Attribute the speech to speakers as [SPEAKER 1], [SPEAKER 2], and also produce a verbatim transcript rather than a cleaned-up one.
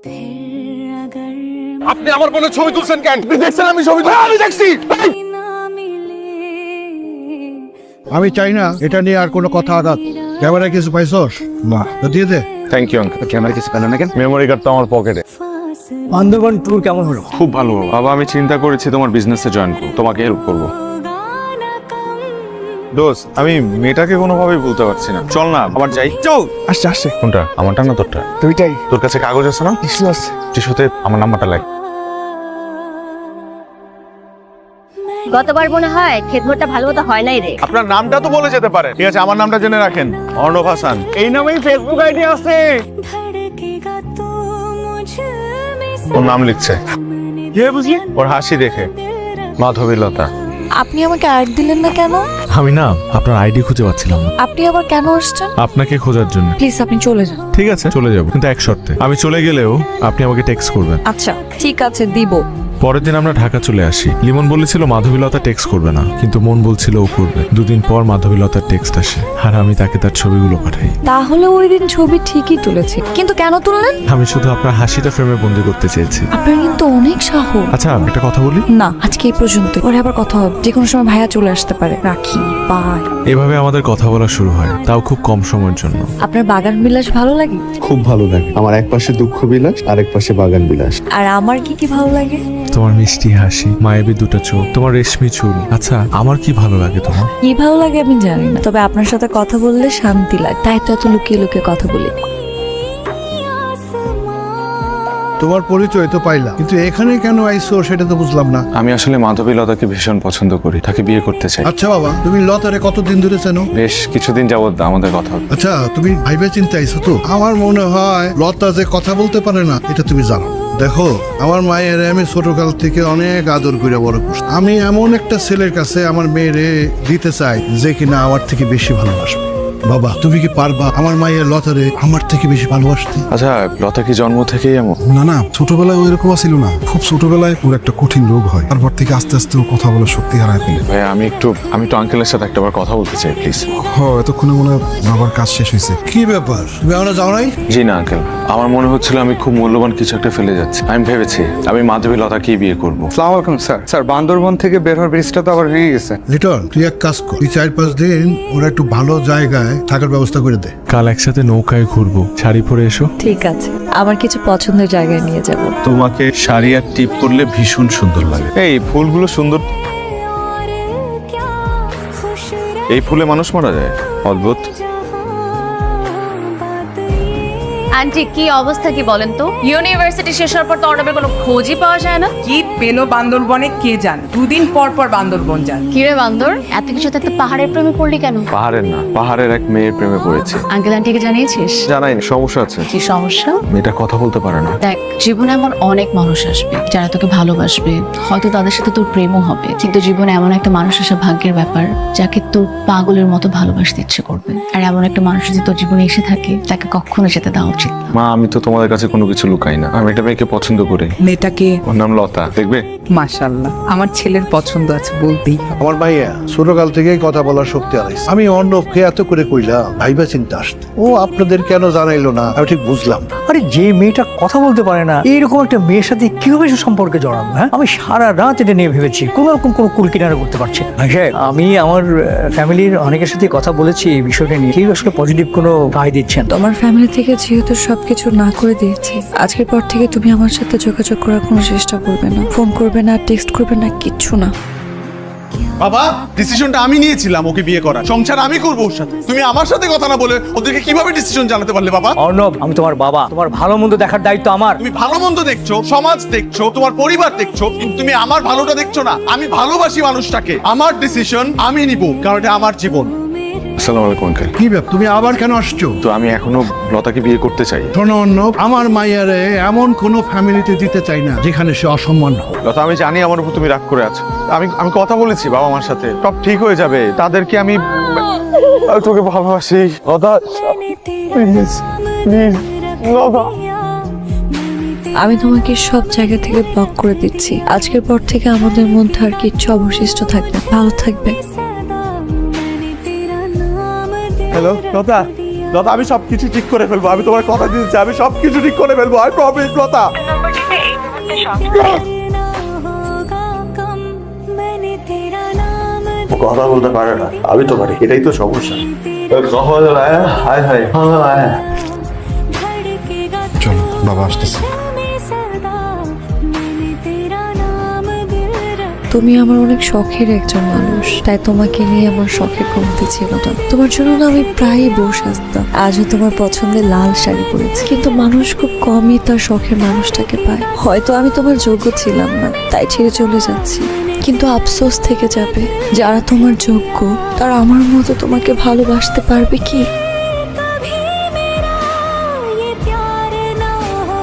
[SPEAKER 1] আপনি আমার বোনের ছবি তুলছেন কেন? আপনি দেখছেন আমি ছবি তুলছি? আমি দেখছি।
[SPEAKER 2] আমি চাই না এটা নিয়ে আর কোনো কথা আঘাত। ক্যামেরায় কিছু পাইছস? না, তো দিয়ে দে।
[SPEAKER 1] Thank you uncle.
[SPEAKER 3] ক্যামেরা কিছু পেল না কেন?
[SPEAKER 1] মেমোরি কার্ড তো আমার পকেটে।
[SPEAKER 3] বান্দরবান ট্যুর কেমন হলো?
[SPEAKER 1] খুব ভালো বাবা, আমি চিন্তা করেছি তোমার বিজনেসে জয়েন করব, তোমাকে হেল্প করব। দোস্ত, আমি মেয়েটাকে কোনোভাবেই বলতে পারছি না। চল না আবার যাই।
[SPEAKER 3] চল। আসছে আসছে।
[SPEAKER 1] কোনটা, আমারটা না তোরটা?
[SPEAKER 3] দুইটাই।
[SPEAKER 1] তোর কাছে কাগজ আছে না?
[SPEAKER 3] কিছু আছে।
[SPEAKER 1] টিস্যুতে আমার নাম্বারটা লাগ।
[SPEAKER 4] গতবার মনে হয় খেতভরটা ভালো মতো হয় নাই রে।
[SPEAKER 1] আপনার নামটা তো বলে যেতে পারে। ঠিক আছে, আমার নামটা জেনে রাখেন, অর্ণব হাসান।
[SPEAKER 3] এই নামেই ফেসবুক আইডি আছে।
[SPEAKER 1] ওর নাম লিখছে।
[SPEAKER 3] কে বুঝলি?
[SPEAKER 1] ওর হাসি দেখে। মাধবীলতা।
[SPEAKER 5] আপনি আমাকে আইডি দিলেন না কেন?
[SPEAKER 6] আমি না আপনার আইডি খুঁজে পাচ্ছিলাম না।
[SPEAKER 5] আপনি আবার কেন আসছেন?
[SPEAKER 6] আপনাকে খোঁজার জন্য।
[SPEAKER 5] প্লিজ আপনি চলে যান।
[SPEAKER 6] ঠিক আছে চলে যাব, কিন্তু এক শর্তে। আমি চলে গেলেও আপনি আমাকে টেক্সট করবেন।
[SPEAKER 5] আচ্ছা ঠিক আছে দিব।
[SPEAKER 6] পরের দিন আমরা ঢাকা চলে আসি। লিমন বলেছিল মাধবীলতা টেক্সট করবে না, কিন্তু মন বলছিল ও করবে। দুদিন পর মাধবীলতার টেক্সট আসে, আর আমি তাকে তার ছবিগুলো পাঠাই।
[SPEAKER 5] তাহলে ওই দিন ছবি ঠিকই তুলেছি, কিন্তু কেন তুললেন?
[SPEAKER 6] আমি শুধু আপনার হাসিটা ফ্রেমে বন্দি করতে চেয়েছি।
[SPEAKER 5] আপনার কিন্তু অনেক সাহস।
[SPEAKER 6] আচ্ছা একটা কথা বলি।
[SPEAKER 5] না আজকে এই পর্যন্ত, পরে আবার কথা হবে। যে কোনো সময় ভাইয়া চলে আসতে পারে। রাখি, বাই।
[SPEAKER 6] এভাবে আমাদের কথা বলা শুরু হয়, তাও খুব কম সময়ের জন্য।
[SPEAKER 5] আপনার বাগান বিলাস ভালো লাগে?
[SPEAKER 7] খুব ভালো লাগে। আমার এক পাশে দুঃখ বিলাস, আরেক পাশে বাগান বিলাস।
[SPEAKER 5] আর আমার কি কি ভালো লাগে?
[SPEAKER 6] তোমার মিষ্টি হাসি, মায়াবী দুটো চোখ, তোমার রেশমি চুল। আচ্ছা আমার কি ভালো লাগে তোমার?
[SPEAKER 5] কি ভালো লাগে আমি জানি না, তবে আপনার সাথে কথা বললে শান্তি লাগে, তাই তো এত লুকিয়ে লুকিয়ে কথা বলি।
[SPEAKER 2] তোমার পরিচয় তো পাইলাম, কিন্তু এখানে কেন আইছো সেটা তো বুঝলাম না।
[SPEAKER 1] আমি আসলে মাধবীলতাকে ভীষণ পছন্দ করি, তাকে বিয়ে করতে চাই।
[SPEAKER 2] আচ্ছা বাবা, তুমি লতারে কতদিন ধরে চেনো?
[SPEAKER 1] বেশ কিছুদিন যাবত আমাদের কথা হচ্ছে।
[SPEAKER 2] আচ্ছা তুমি ভাইবে চিন্তা আইছো তো? আমার মনে হয় লতা যে কথা বলতে পারে না এটা তুমি জানো। দেখো, আমার মায়ের আমি ছোটকাল থেকে অনেক আদর করে বড় করছি। আমি এমন একটা ছেলের কাছে আমার মেয়েরে দিতে চাই যে কিনা আমার থেকে বেশি ভালোবাসবে। বাবা তুমি কি পারবা আমার মায়ের লতারে আমার থেকে বেশি ভালোবাসতে?
[SPEAKER 1] আচ্ছা, লতা কি জন্ম থেকেই এমন?
[SPEAKER 8] না না, ছোটবেলায় ওইরকম ছিল না। খুব ছোটবেলায় ওর একটা কঠিন রোগ হয়, তারপর থেকে আস্তে আস্তে ও কথা বলার শক্তি হারায় ফেলে।
[SPEAKER 1] ভাই আমি একটু আমি তো আঙ্কেলের সাথে একটাবার কথা বলতে চাই প্লিজ।
[SPEAKER 8] হ, এতক্ষণে মনে হয় বাবার কাজ শেষ হয়েছে।
[SPEAKER 2] কি ব্যাপার, তুমি এখনো যাও নাই?
[SPEAKER 1] জি না আঙ্কেল, আমার মনে হচ্ছিল আমি খুব মূল্যবান কিছু একটা ফেলে যাচ্ছি। আমি ভেবেছি আমি মাধবীলতাকেই বিয়ে করবো।
[SPEAKER 9] আসসালামু আলাইকুম স্যার। স্যার বান্দরবন থেকে বের হওয়ার ব্রিজটা তো আবার ভেঙে গেছে।
[SPEAKER 2] লিটন তুই এক কাজ কর, তুই চার পাঁচ দিন ওরা একটু ভালো জায়গায় থাকার ব্যবস্থা করে দে।
[SPEAKER 6] কাল একসাথে নৌকায় ঘুরবো, শাড়ি পরে এসো।
[SPEAKER 5] ঠিক আছে, আমার কিছু পছন্দের জায়গায় নিয়ে যাব।
[SPEAKER 1] তোমাকে শাড়ি আর টিপ করলে ভীষণ সুন্দর লাগে। এই ফুলগুলো সুন্দর। এই ফুলে মানুষ মারা যায়, অদ্ভুত।
[SPEAKER 4] আন্টি কি অবস্থা কি বলেন তো? ইউনিভার্সিটি শেষ হওয়ার পর তো অর্ণবের কোনো খোঁজই পাওয়া যায় না।
[SPEAKER 10] কি পেলো বান্দরবনে কে জান? দুদিন পর পর বান্দরবন যান।
[SPEAKER 4] কিরে বান্দর, এত কিছু থাকতে পাহাড়ের প্রেমে পড়লি কেন?
[SPEAKER 1] পাহাড়ের না, পাহাড়ের এক মেয়ের প্রেমে পড়েছে।
[SPEAKER 4] আঙ্কেল আন্টিকে জানিয়েছিস?
[SPEAKER 1] জানাইনি, সমস্যা আছে।
[SPEAKER 4] কি সমস্যা?
[SPEAKER 1] মেয়েটা কথা বলতে পারে না।
[SPEAKER 4] দেখ, জীবনে এমন অনেক মানুষ আসবে যারা তোকে ভালোবাসবে, হয়তো তাদের সাথে তোর প্রেমও হবে, কিন্তু জীবনে এমন একটা মানুষ আসা ভাগ্যের ব্যাপার যাকে তোর পাগলের মতো ভালোবাসতে ইচ্ছে করবে। আর এমন একটা মানুষ যদি তোর জীবনে এসে থাকে, তাকে কখনো যেতে দেওয়া উচিত না।
[SPEAKER 1] মা, আমি তো তোমাদের কাছে কোনো কিছু লুকাই না। আমি একটা মেয়েকে পছন্দ করি।
[SPEAKER 10] মেয়েটাকে?
[SPEAKER 1] ওর নাম লতা, দেখবে?
[SPEAKER 10] মাশাআল্লাহ, আমার ছেলের পছন্দ আছে বলতেই হবে।
[SPEAKER 2] আমার ভাইয়া ছোটকাল থেকেই কথা বলার শক্তি হারাইছে। আমি অর্ণবকে এত করে কইলাম ভাইবা চিন্তা আসতে, ও আপনাদের কেন জানাইলো না আমি ঠিক বুঝলাম না।
[SPEAKER 3] আরে যে মেয়েটা কথা বলতে পারে না, এইরকম একটা মেয়ের সাথে কিভাবে সে সম্পর্কে জড়ানো? হ্যাঁ, আমি সারা রাত এটা নিয়ে ভেবেছি, কোনো রকম কোনো কুল কিনারা করতে পারছি না। ভাই সাহেব, আমি আমার ফ্যামিলির অনেকের সাথে কথা বলেছি এই বিষয়টা নিয়ে, কেউ আসলে পজিটিভ কোনো রায় দিচ্ছেন।
[SPEAKER 5] তোমার ফ্যামিলি থেকে যেহেতু সবকিছু না করে দিয়েছি, আজকের পর থেকে তুমি আমার সাথে যোগাযোগ করার কোনো চেষ্টা করবে না, ফোন করবে না, টেক্সট করবে না, কিচ্ছু না।
[SPEAKER 11] বাবা, ডিসিশনটা আমি নিয়েছিলাম ওকে বিয়ে করার, সংসার আমি করবো ওর সাথে। তুমি আমার সাথে কথা না বলে ওদেরকে কিভাবে ডিসিশন জানাতে পারলে বাবা?
[SPEAKER 3] অর্ণব, আমি তোমার বাবা, তোমার ভালো মন্দ দেখার দায়িত্ব আমার।
[SPEAKER 11] তুমি ভালো মন্দ দেখছো, সমাজ দেখছো, তোমার পরিবার দেখছো, কিন্তু তুমি আমার ভালোটা দেখছো না। আমি ভালোবাসি মানুষটাকে, আমার ডিসিশন আমি নিব, কারণ এটা আমার জীবন।
[SPEAKER 1] আসসালামু আলাইকুম আঙ্কেল।
[SPEAKER 2] কি ব্যাপার, তুমি আবার কেন আসছো?
[SPEAKER 1] তো আমি এখনো লতাকে বিয়ে করতে চাই।
[SPEAKER 2] শোনো অর্ণব, আমার মাইয়ারে এমন কোনো ফ্যামিলিতে দিতে চাই না যেখানে সে অসম্মান হোক।
[SPEAKER 1] লতা, আমি জানি আমার উপর তুমি রাগ করে আছো। আমি আমি কথা বলেছি বাবা মার সাথে, সব ঠিক হয়ে যাবে। তাদেরকে আমি আমি তোকে ভালোবাসি লতা, প্লিজ প্লিজ লতা।
[SPEAKER 5] আমি তোমাকে সব জায়গা থেকে ব্লক করে দিচ্ছি। আজকের পর থেকে আমাদের মধ্যে আর কিচ্ছু অবশিষ্ট থাকবে। ভালো থাকবে।
[SPEAKER 3] হ্যালো লতা,
[SPEAKER 11] লতা আমি সবকিছু ঠিক করে ফেলবো, আমি তোমার কথা দিয়েছি, আমি সবকিছু ঠিক করে ফেলবো, আই প্রমিস লতা।
[SPEAKER 1] কথা বলতে পারে না, আমি তো পারি, এটাই তো সমস্যা। হায় হায়
[SPEAKER 8] চলো বাবা আসতেছে।
[SPEAKER 5] তুমি আমার অনেক শখের একজন মানুষ, তাই তোমাকে নিয়ে আমার শখের কমতি ছিল না। তোমার জন্য না আমি প্রায়ই বসে আসতাম। আজও তোমার পছন্দের লাল শাড়ি পরেছি, কিন্তু মানুষ খুব কমই তার শখের মানুষটাকে পায়। হয়তো আমি তোমার যোগ্য ছিলাম না, তাই ছেড়ে চলে যাচ্ছি, কিন্তু আফসোস থেকে যাবে। যারা তোমার যোগ্য তারা আমার মতো তোমাকে ভালোবাসতে পারবে কি?